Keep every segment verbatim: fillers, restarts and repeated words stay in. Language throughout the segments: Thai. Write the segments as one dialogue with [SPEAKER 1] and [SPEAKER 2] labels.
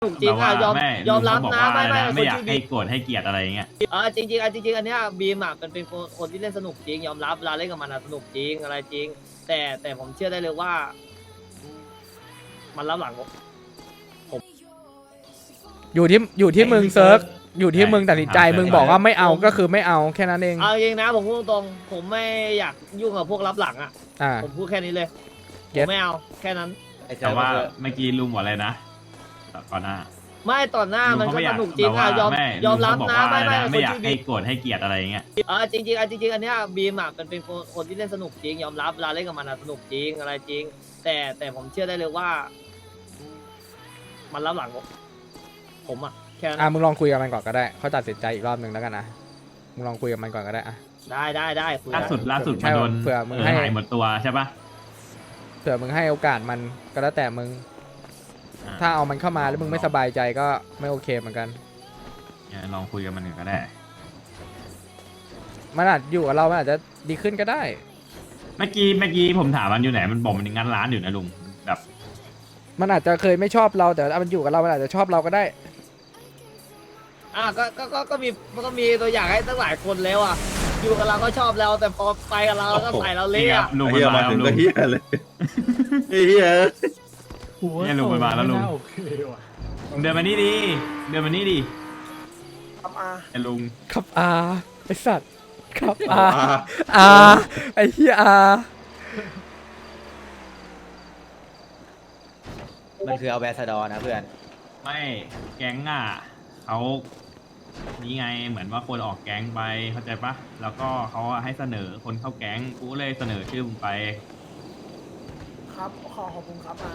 [SPEAKER 1] ถูกจริงอ่ะยอมยอมรับนะไม่ไม่
[SPEAKER 2] ไม่อยากให้โกรธให้เกลียดอะไรอย่างเงี้ย
[SPEAKER 1] เออจริงจริงอ่ะจริงๆอันเนี้ยบีมอ่ะมันเป็นคนคนที่เล่นสนุกจริงยอมรับเวลาเล่นกับมันอ่ะสนุกจริงอะไรจริงแต่แต่ผมเชื่อได้เลยว่า มันรับหลังผม
[SPEAKER 3] อยู่ที่อยู่ที่มึงเซิร์ฟอยู่ที่มึงตัดสินใจมึงบอกว่าไม่เอาก็คือไม่เอาแค่นั้นเอง
[SPEAKER 1] เอาจริงนะผมพูดตรงๆผมไม่อยากยุ่งกับพวกรับหลังอ่ะ
[SPEAKER 3] อ่า
[SPEAKER 1] ผมพูดแค่นี้เลยผ
[SPEAKER 3] เก็ต
[SPEAKER 1] มไม่เอาแค่นั้น
[SPEAKER 2] แต่ว่าเมื่อกี้ลุงบอกอะไรนะก่อนหน้า
[SPEAKER 1] ไม่ต่อหน้ามันก็
[SPEAKER 2] ลุง
[SPEAKER 1] ส
[SPEAKER 2] เขา
[SPEAKER 1] นุกจริงอ่ะยอม
[SPEAKER 2] ไม่
[SPEAKER 1] ยอมรับ
[SPEAKER 2] ลุง
[SPEAKER 1] นะ
[SPEAKER 2] เขาบอกว่า
[SPEAKER 1] ไม่ไม่
[SPEAKER 2] ไม่อยาก
[SPEAKER 1] คน
[SPEAKER 2] ให้
[SPEAKER 1] ที่
[SPEAKER 2] โกรธให้เกลียดอะไรอย่างเงี้ย
[SPEAKER 1] เออจริงจริงๆอ่ะจริงๆอันเนี้ยบีมอ่ะมันเป็นคนคนที่เล่นสนุกจริงยอมรับเวลาเล่นกับมันอ่ะสนุกจริงอะไรจริง แต่แต่ผมเชื่อได้เลยว่า มันรับหลังผมผมอ่ะแค่นั้น
[SPEAKER 3] อ่ามึงลองคุยกับมันก่อนก็ได้เขาตัดสินใจอีกรอบหนึ่งแล้วกันนะมึงลองคุยกับมันก่อนก็ได้อ่ะ
[SPEAKER 1] ได้ได้ได้คุย
[SPEAKER 2] ล่า
[SPEAKER 1] ได้
[SPEAKER 2] สุดล่าสุด
[SPEAKER 3] ใช่
[SPEAKER 2] มาโดน
[SPEAKER 3] เผื่อมึง
[SPEAKER 2] เออ
[SPEAKER 3] ให้
[SPEAKER 2] หายหมดตัวใช่ปะ
[SPEAKER 3] เผื่อมึงให้โอกาสมันก็แล้วแต่มึง
[SPEAKER 2] อ่ะ
[SPEAKER 3] ถ้าเอามันเข้ามาแล้วมึงไม่สบายใจก็ไม่โอเคเหมือนกัน
[SPEAKER 2] เนี่ยลองคุยกับมันหนึ่งก็ได้
[SPEAKER 3] มันอาจอยู่กับเรามันอาจจะดีขึ้นก็ได้
[SPEAKER 2] เมื่อกี้เมื่อกี้ผมถามมันอยู่ไหนมันบอกมันงานร้านอยู่นะลุงแบบ
[SPEAKER 3] มันอาจจะเคยไม่ชอบเราแต่ถ้ามันอยู่กับเรามันอาจจะชอบเราก็ได้
[SPEAKER 1] อ่ะก็ก็ก็ก็มีมันก็มีตัวอย่างให้ตั้งหลายคนแล้วอ่ะอยู่กับเราก็ชอบเราแต่พอไปกับเราก็ใส่เราเละ
[SPEAKER 2] นี่ครั
[SPEAKER 1] อ่ะ
[SPEAKER 2] บลุง
[SPEAKER 4] ไอ้
[SPEAKER 2] มัน
[SPEAKER 4] เหี้ย
[SPEAKER 2] มา
[SPEAKER 4] มา
[SPEAKER 2] แล้ว
[SPEAKER 4] ถึง
[SPEAKER 2] ลุ
[SPEAKER 4] ก็
[SPEAKER 2] ง
[SPEAKER 4] เฮียเลยไอ้เฮีย
[SPEAKER 2] เนี่ยลุงมันมาแล้วลุง
[SPEAKER 5] โอเคว่ะ
[SPEAKER 2] เดินมานี่ดิเดินมานี่ดิไอ้ลุง
[SPEAKER 3] ครับอาไอสัตว์ครับอาอาไอเฮียอา
[SPEAKER 6] มันคือเอาแบสดอนะเพื่อน
[SPEAKER 2] ไม่แก๊งอ่ะเขานี่ไงเหมือนว่าคนออกแก๊งไปเข้าใจปะแล้วก็เขาให้เสนอคนเข้าแก๊งกูเลยเสนอชื่อมึงไป
[SPEAKER 5] ครับขอขอบคุณครับมา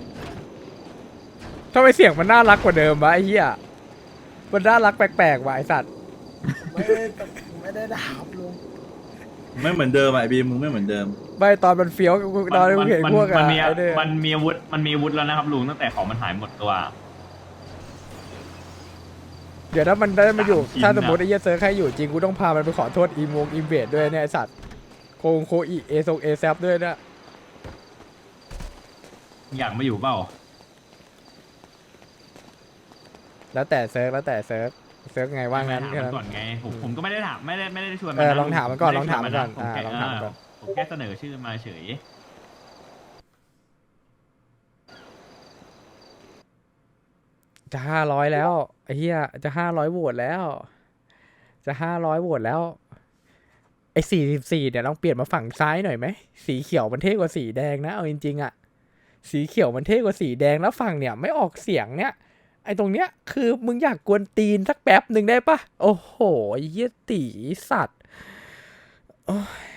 [SPEAKER 3] ทำไมเสียงมันน่ารักกว่าเดิมวะไอเฮียมันน่ารักแปลกๆว่ะไอสัตว์
[SPEAKER 5] ไม่ได้ไม่ได้ด่าครับลุง
[SPEAKER 4] ไม่เหมือนเดิมอ่ะไอ้บีมมึงไม่เหมือนเดิม
[SPEAKER 3] ไม่ตอนมันเฟี้ยวตอนที่มึงเห็นพวก
[SPEAKER 2] มั
[SPEAKER 3] อะ
[SPEAKER 2] นมี
[SPEAKER 3] ไอ้เนี่ย
[SPEAKER 2] มันมีอาวุธมันมีอาวุธแล้วนะครับลุงตั้งแต่ของมันหายหมดตัว
[SPEAKER 3] เดี๋ยวถ้ามันได้มาอยู่
[SPEAKER 2] สามชิ้น
[SPEAKER 3] ถ้าสมมติ
[SPEAKER 2] อะ
[SPEAKER 3] ไอ้เหี้ยเซิร์ฟใครอยู่จริงกูต้องพามันไปขอโทษอีโมงอีเวดด้วยเนี่ยไอสัตว์โคงโคอีเอซงเอแซฟด้วยเนี่ย
[SPEAKER 2] อยากมาอยู่เปล่า
[SPEAKER 3] แล้วแต่เซิร์ฟแล้วแต่เซิร์ฟเซิร์ฟไงว่างั้น
[SPEAKER 2] ถาม
[SPEAKER 3] แค่
[SPEAKER 2] มั
[SPEAKER 3] นั้น
[SPEAKER 2] ก่อนไงผมผมก็ไม่ได้ถามไม่ได้ไม่ได้ชวน
[SPEAKER 3] เออ
[SPEAKER 2] นะ
[SPEAKER 3] ลองถามมันก่อน
[SPEAKER 2] ไได้
[SPEAKER 3] ลองถามมันก่อน
[SPEAKER 2] ชวะ
[SPEAKER 3] อ่า
[SPEAKER 2] ผมแค่
[SPEAKER 3] ลองถามมันก่อน
[SPEAKER 2] เผมแค่เสนอชื่อมาเฉย
[SPEAKER 3] จะห้าร้อยแล้วไอ้เหี้ยจะห้าร้อยโหวตแล้ว จะห้าร้อยโหวตแล้วไอ้สี่สิบสี่เนี่ยลองเปลี่ยนมาฝั่งซ้ายหน่อยไหมสีเขียวมันเท่กว่าสีแดงนะเอาจริงๆอะสีเขียวมันเท่กว่าสีแดงแล้วฝั่งเนี่ยไม่ออกเสียงเนี่ยไอ้ตรงเนี้ยคือมึงอยากกวนตีนสักแป๊บหนึ่งได้ปะโอ้โหไอ้เหี้ยตีสัตว์โอ้ย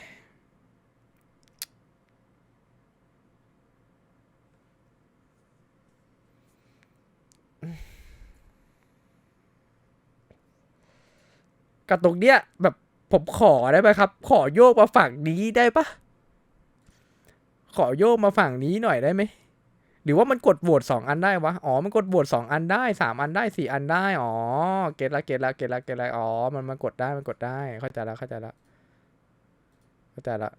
[SPEAKER 3] กับตรงเนี้ยแบบผมขอได้ไหมครับ ขอโยกมาฝั่งนี้ได้ปะขอโยกมาฝั่งนี้หน่อยได้ไหมหรือว่ามันกดโหวตสองอันได้วะอ๋อมันกดโหวตสองอันได้สามอันได้สี่อันได้อ๋อเก็ตละเก็ตละเก็ตละเก็ตละอ๋อมันมันกดได้มันกดได้เข้าใจละเข้าใจละเข้าใจละ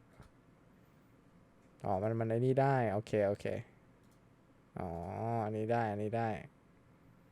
[SPEAKER 3] อ๋อมันมันไอ้นี่ได้โอเคโอเคอ๋ออันนี้ได้อันนี้ได้